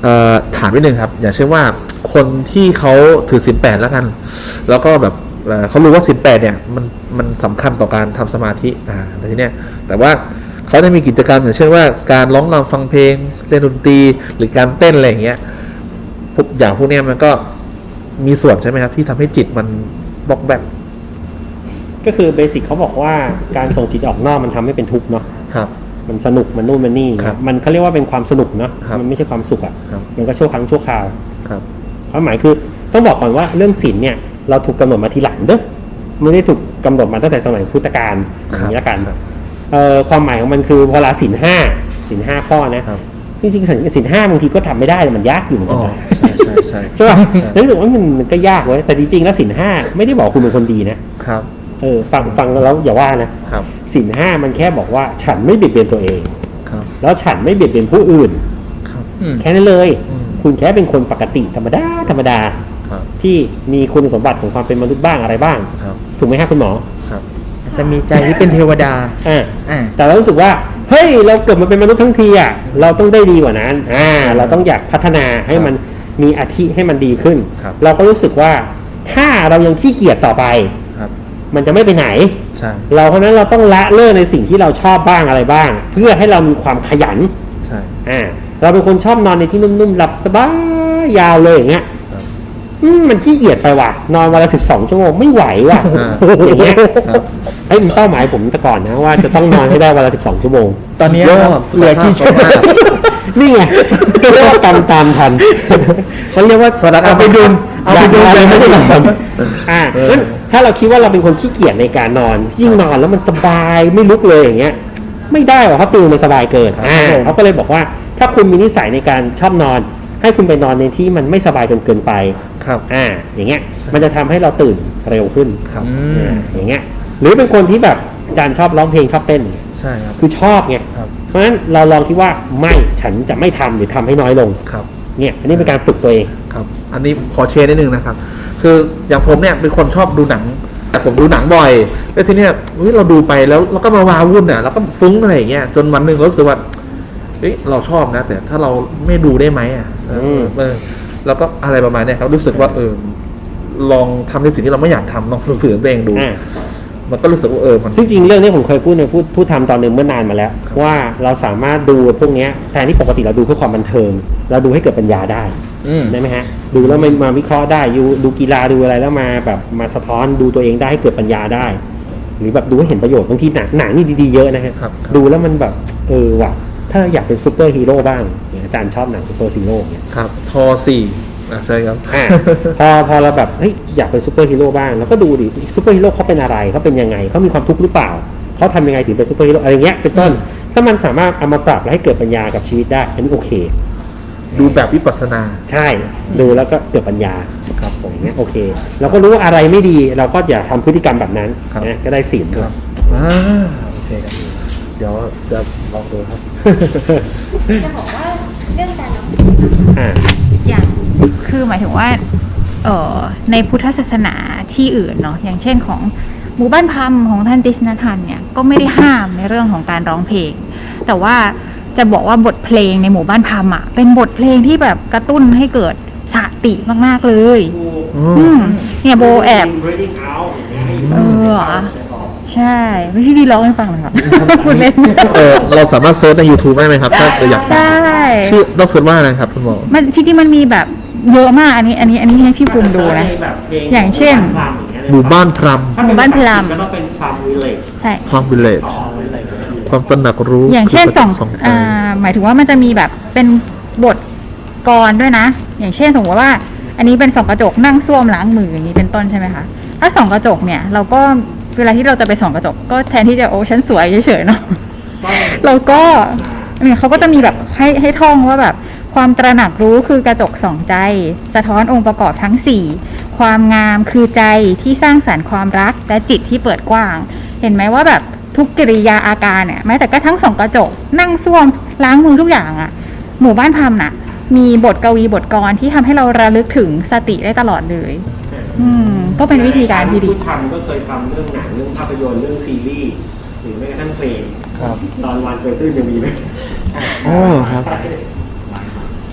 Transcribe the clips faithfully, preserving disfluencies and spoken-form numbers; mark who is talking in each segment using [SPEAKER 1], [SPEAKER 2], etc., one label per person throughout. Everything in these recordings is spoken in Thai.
[SPEAKER 1] ถามนิดนึงครับอย่างเช่นว่าคนที่เขาถือศีลแปดแล้วกันแล้วก็แบบเขารู้ว่าศีลแปดเนี่ยมันมันสำคัญต่อการทำสมาธิอ่าทีเนี้ยแต่ว่าเขาจะมีกิจกรรมอย่างเช่นว่าการร้องรำฟังเพลงเล่นดนตรีหรือการเต้นอะไรอย่างเงี้ยพวกอย่างพวกเนี้ยมันก็มีส่วนใช่ไหมครับที่ทำให้จิตมันบล็อกแบก
[SPEAKER 2] ก็คือเบสิกเขาบอกว่าการส่งจิตออกนอกมันทำให้เป็นทุกข์เนาะ
[SPEAKER 1] ครับ
[SPEAKER 2] มันสนุกมันนู่นมันนี่มันเขาเรียกว่าเป็นความสนุกเนาะมันไม่ใช่ความสุขอ่ะมันก็ชั่วครั้งชั่วคราว
[SPEAKER 1] ครับ
[SPEAKER 2] ความหมายคือต้องบอกก่อนว่าเรื่องศีลเนี่ยเราถูกกำหนดมาทีหลังเด้อไม่ได้ถูกกำหนดมาตั้งแต่สมัยพุทธกาลอย่างนี้ละกันความหมายของมันคือพอละศีลห้าศีลห้าข้อนะจริงๆศีลห้าบางทีก็ทำไม่ได้มันยากอยู่เหมือนกันนะ
[SPEAKER 1] ใช่ใช่ใช่
[SPEAKER 2] ใช่ป่ะรู้สึกว่ามันมันก็ยากเว้ยแต่จริงๆแล้วศีลห้าไม่ได้บอกคุณเป็นคนดีนะครับเออฟังฟังแล้วอย่าว่านะศีลห้ามันแค่บอกว่าฉันไม่เบียดเบียนตัวเองแล้วฉันไม่เบียดเบียนผู้อื่นแค่นั้นเลยคุณแค่เป็นคนปกติธรรมดาธรรมดาที่มีคุณสมบัติของความเป็นมนุษย์บ้างอะไรบ้างถูกไหมครับคุณหมอ
[SPEAKER 3] จะมีใจที่เป็นเทวดา
[SPEAKER 2] อ่าแต่เรารู้สึกว่าเฮ้ยเราเกิดมาเป็นมนุษย์ทั้งทีอ่ะเราต้องได้ดีกว่านั้นอ่าเราต้องอยากพัฒนาให้มันมีอาธิให้มันดีขึ้นเราก็รู้สึกว่าถ้าเรายังขี้เกียจต่อไปมันจะไม่ไปไหนเราเพราะนั้นเราต้องละเลิกในสิ่งที่เราชอบบ้างอะไรบ้างเพื่อให้เรามีความขยัน
[SPEAKER 1] ใช่
[SPEAKER 2] อ่าเราเป็นคนชอบนอนในที่นุ่มๆหลับสบายยาวเลยอย่างเงี้ยมันขี้เกียจไปว่ะนอนวันละสิบสองชั่วโมงไม่ไหวว่ะอย่างเงี้ยไอ้เป้าหมายผมแต่ก่อนนะว่าจะต้องนอนให้ได้วันละสิบสองชั่วโมง
[SPEAKER 3] ตอนนี้เหลือกี่ชั่วโมง
[SPEAKER 2] นี่ไงเรียกว่าตามตามทันเขาเรียกว่า
[SPEAKER 3] เอาไปดูเอาไปดู
[SPEAKER 2] เลยไม่ได้ทำอ่าถ้าเราคิดว่าเราเป็นคนขี้เกียจในการนอนยิ่งนอนแล้วมันสบายไม่ลุกเลยอย่างเงี้ยไม่ได้หรอกเขาตื่นมันสบายเกินอ่าเขาก็เลยบอกว่าถ้าคุณมีนิสัยในการชอบนอนให้คุณไปนอนในที่มันไม่สบายจนเกินไป
[SPEAKER 1] ครับ
[SPEAKER 2] อ่าอย่างเงี้ยมันจะทำให้เราตื่นเร็วขึ้น
[SPEAKER 1] ครับ
[SPEAKER 2] อย่างเงี้ยหรือเป็นคนที่แบบอาจารย์ชอบร้องเพลงชอบเต้น
[SPEAKER 1] ใช่ครับ
[SPEAKER 2] คือชอบไงเพราะฉะนั้นเราลองคิดว่าไม่ฉันจะไม่ทำหรือทำให้น้อยลง
[SPEAKER 1] ครับ
[SPEAKER 2] เนี่ยอันนี้เป็นการฝึกตัวเอง
[SPEAKER 1] ครับอันนี้ขอแชร์นิดนึงนะครับคืออย่างผมเนี่ยเป็นคนชอบดูหนังแต่ผมดูหนังบ่อยแล้วทีเนี้ยเราดูไปแล้วเราก็มาวาวุ่นเนี่ยเราก็ฟุ้งอะไรอย่างเงี้ยจนวันหนึ่งเรารู้สึกว่าเฮ้ยเราชอบนะแต่ถ้าเราไม่ดูได้ไหมอ่ะเออแล้วก็อะไรประมาณนี้ครับรู้สึกว่าเออลองทำในสิ่งที่เราไม่อยากทำลองฝืนตัวเองดูมันก็รู้สึกว่าเออมัน
[SPEAKER 2] ซึ่งจริงเรื่องนี้ผมเคยพูดในพูดพูดทำตอนหนึ่งเมื่อนานมาแล้วว่าเราสามารถดูพวกนี้แทนที่ปกติเราดูเพื่อความบันเทิงเราดูให้เกิดปัญญาได้ได้ไหมฮะดูแล้วมันมาวิเคราะห์ได้ดูกีฬาดูอะไรแล้วมาแบบมาสะท้อนดูตัวเองได้ให้เกิดปัญญาได้หรือแบบดูให้เห็นประโยชน์บางทีหนังหนังนี่ดีๆเยอะนะครับดูแล้วมันแบบเออว่ะถ้าอยากเป็นซูเปอร์ฮีโร่บ้างอาจารย์ชอบหนังซูเปอร์ฮีโร่เนี่ย
[SPEAKER 1] ครับทอสี่ใช่ครับ
[SPEAKER 2] พอพอเราแบบเฮ้ยอยากเป็นซูเปอร์ฮีโร่บ้างเราก็ดูดิซูเปอร์ฮีโร่เขาเป็นอะไรเขาเป็นยังไงเขามีความทุกข์หรือเปล่าเขาทำยังไงถึงเป็นซูเปอร์ฮีโร่อะไรเงี้ยเป็นต้นถ้ามันสามารถเอามาปรับและให้เกิดปัญญากับชีวิตได้อันนี้โอเค
[SPEAKER 1] ดูแบบวิปัสสนา
[SPEAKER 2] ใช่ดูแล้วก็เกิดปัญญาครับอย่างเงี้ยโอเคเราก็รู้ว่าอะไรไม่ดีเราก็อย่าทำพฤติกรรมแบบนั้นนะก็ได้ศีลด้วย
[SPEAKER 1] อ่าโอเคครับเดี๋ยวจะลองดูครับ
[SPEAKER 4] จะบอกว่าเรื่องการร้องเพลงอย่างคือหมายถึงว่าเอ่อในพุทธศาสนาที่อื่นเนาะอย่างเช่นของหมู่บ้านพัมของท่านติชณทันเนี่ยก็ไม่ได้ห้ามในเรื่องของการร้องเพลงแต่ว่าจะบอกว่าบทเพลงในหมู่บ้านพัมอ่ะเป็นบทเพลงที่แบบกระตุ้นให้เกิดสติมากๆเลยอืมเนี่ยโบแอบเออใช่ไม่ใช่ดีร้องให้ฟังเลยครับพูดเล่น
[SPEAKER 1] เออเราสามารถเซิร์ชใน YouTube ได้ไหมครับถ้าอยาก
[SPEAKER 4] ใช่
[SPEAKER 1] ชื่อต้องเซิร์ชว่าอะไรครับคุณหมอ
[SPEAKER 4] มันจริงๆมันมีแบบเยอะมากอันนี้อันนี้อันนี้ให้พี่ภูมิดูนะอย่างเช่น
[SPEAKER 1] หมู่บ้านพรัม
[SPEAKER 4] หมู่บ้านพรัม
[SPEAKER 2] ก็ต้องเป็นความวิเลจ
[SPEAKER 4] ใช่
[SPEAKER 1] ความวิเลจความตระหนักรู้
[SPEAKER 4] อย่างเช่นสองอ่าหมายถึงว่ามันจะมีแบบเป็นบทกลด้วยนะอย่างเช่นสมมติว่าอันนี้เป็นส่องกระจกนั่งส้วมล้างมืออย่างนี้เป็นต้นใช่ไหมคะถ้าส่องกระจกเนี่ยเราก็เวลาที่เราจะไปส่องกระจกก็แทนที่จะโอ้ฉันสวยเฉยๆเนาะเราก็เนี่ยเขาก็จะมีแบบให้ให้ท่องว่าแบบความตระหนักรู้คือกระจกส่องใจสะท้อนองค์ประกอบทั้งสี่ความงามคือใจที่สร้างสรรค์ความรักและจิตที่เปิดกว้างเห็นไหมว่าแบบทุกกิริยาอาการเนี่ยแม้แต่ก็ทั้งส่องกระจกนั่งส้วมล้างมือทุกอย่างอ่ะหมู่บ้านพัมน่ะมีบทกวีบทกลที่ทำให้เราระลึกถึงสติได้ตลอดเลยอืมก็เป็นวิธีการที่ดี
[SPEAKER 2] ทำก็เคยทำเรื่องหนังเรื่องภาพยนตร์เรื่องซีรีส์หรือแม้กระทั่งเพลงตอนวันเกิดขึ้นยังมีไหม
[SPEAKER 1] โอ้ครับ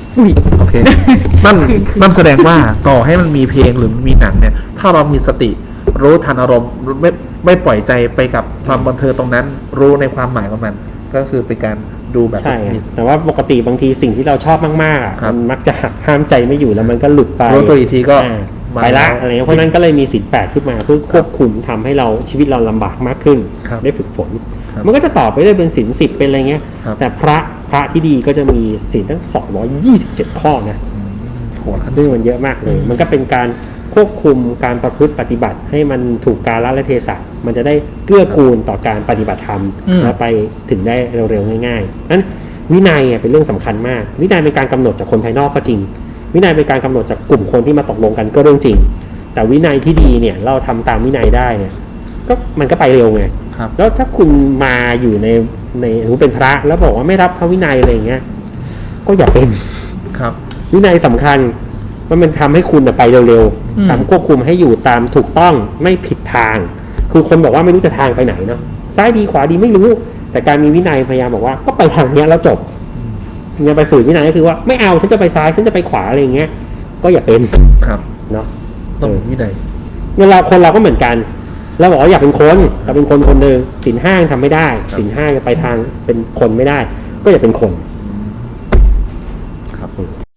[SPEAKER 3] อุ้ย
[SPEAKER 1] โอเค นั่นนั่นแสดงว่าต่อให้มันมีเพลงหรือมีหนังเนี่ย ถ้าเรามีสติรู้ทันอารมณ์ไม่ไม่ปล่อยใจไปกับความบันเทิงตรงนั้น รู้ในความหมายของมัน ก็คือเป็นการดูแบบ
[SPEAKER 2] ใช่
[SPEAKER 1] มี
[SPEAKER 2] แต่ว่าปกติบางทีสิ่งที่เราชอบมากๆอ่ะ
[SPEAKER 1] ครับ
[SPEAKER 2] มันมักจะหักห้ามใจไม่อยู่แล้วมันก็หลุดไป
[SPEAKER 1] รู้ตัวอีกทีก็
[SPEAKER 2] อ่า
[SPEAKER 1] มา
[SPEAKER 2] ไปละ
[SPEAKER 1] แล้ว
[SPEAKER 2] อะไรเงี้ยเพราะฉะนั้นก็เลยมีศีลแปดขึ้นมาเพื่อควบคุมทำให้เราชีวิตเราลำบากมากขึ้น
[SPEAKER 1] ครับ
[SPEAKER 2] ได้ฝึกฝน
[SPEAKER 1] ครับ
[SPEAKER 2] มันก็จะต่อไปได้เป็นศีลสิบเป็นอะไรเงี้ย
[SPEAKER 1] ครับ
[SPEAKER 2] แต่พระพระที่ดีก็จะมีศีลทั้งสองร้อยยี่สิบเจ็ดข้อนะ
[SPEAKER 1] โหดขั้น
[SPEAKER 2] ซึ่ง
[SPEAKER 1] สุด
[SPEAKER 2] มันเยอะมากเลย มันก็เป็นการควบคุมการประพฤติปฏิบัติให้มันถูกกาลและเทศะ มันจะได้เกื้อกูลต่อการปฏิบัติธรรม
[SPEAKER 1] อืม
[SPEAKER 2] และไปถึงได้เร็วๆง่ายๆนั้นวินัยอ่ะเป็นเรื่องสำคัญมาก วินัยเป็นการกำหนดจากคนภายนอกก็จริง วินัยเป็นการกำหนดจากกลุ่มคนที่มาตกลงกันก็เรื่องจริง แต่วินัยที่ดีเนี่ยเราทำตามวินัยได้เนี่ยก็มันก็ไปเร็วไง
[SPEAKER 1] ครับ
[SPEAKER 2] แล้วถ้าคุณมาอยู่ในในหรือเป็นพระแล้วบอกว่าไม่รับพระวินัยอะไรอย่างเงี้ยก็อย่าเป็น
[SPEAKER 1] ครับ
[SPEAKER 2] วินัยสำคัญมันเป็นทำให้คุณน่ะไปเร็ว
[SPEAKER 1] อืม
[SPEAKER 2] ๆทำควบคุมให้อยู่ตามถูกต้องไม่ผิดทาง คือคนบอกว่าไม่รู้จะทางไปไหนเนาะซ้ายดีขวาดีไม่รู้ แต่การมีวินัยพยายามบอกว่าก็ไปทางเนี้ยแล้วจบอย่าไปฝืนวินัยก็คือว่าไม่เอาฉันจะไปซ้ายฉันจะไปขวาอะไรอย่างเงี้ยก็อย่าเป็น
[SPEAKER 1] ครับ
[SPEAKER 2] เนาะ
[SPEAKER 1] ต้อง
[SPEAKER 2] เออ
[SPEAKER 1] วินัย
[SPEAKER 2] เวลาคนเราก็เหมือนกันเราบอกว่าอยากเป็นคนเราเป็นคนคนหนึ่งศีลห้ายังทำไม่ได้ศีลห้าจะไปทางเป็นคนไม่ได้ ก็อย่าเป็นคน
[SPEAKER 1] ครับ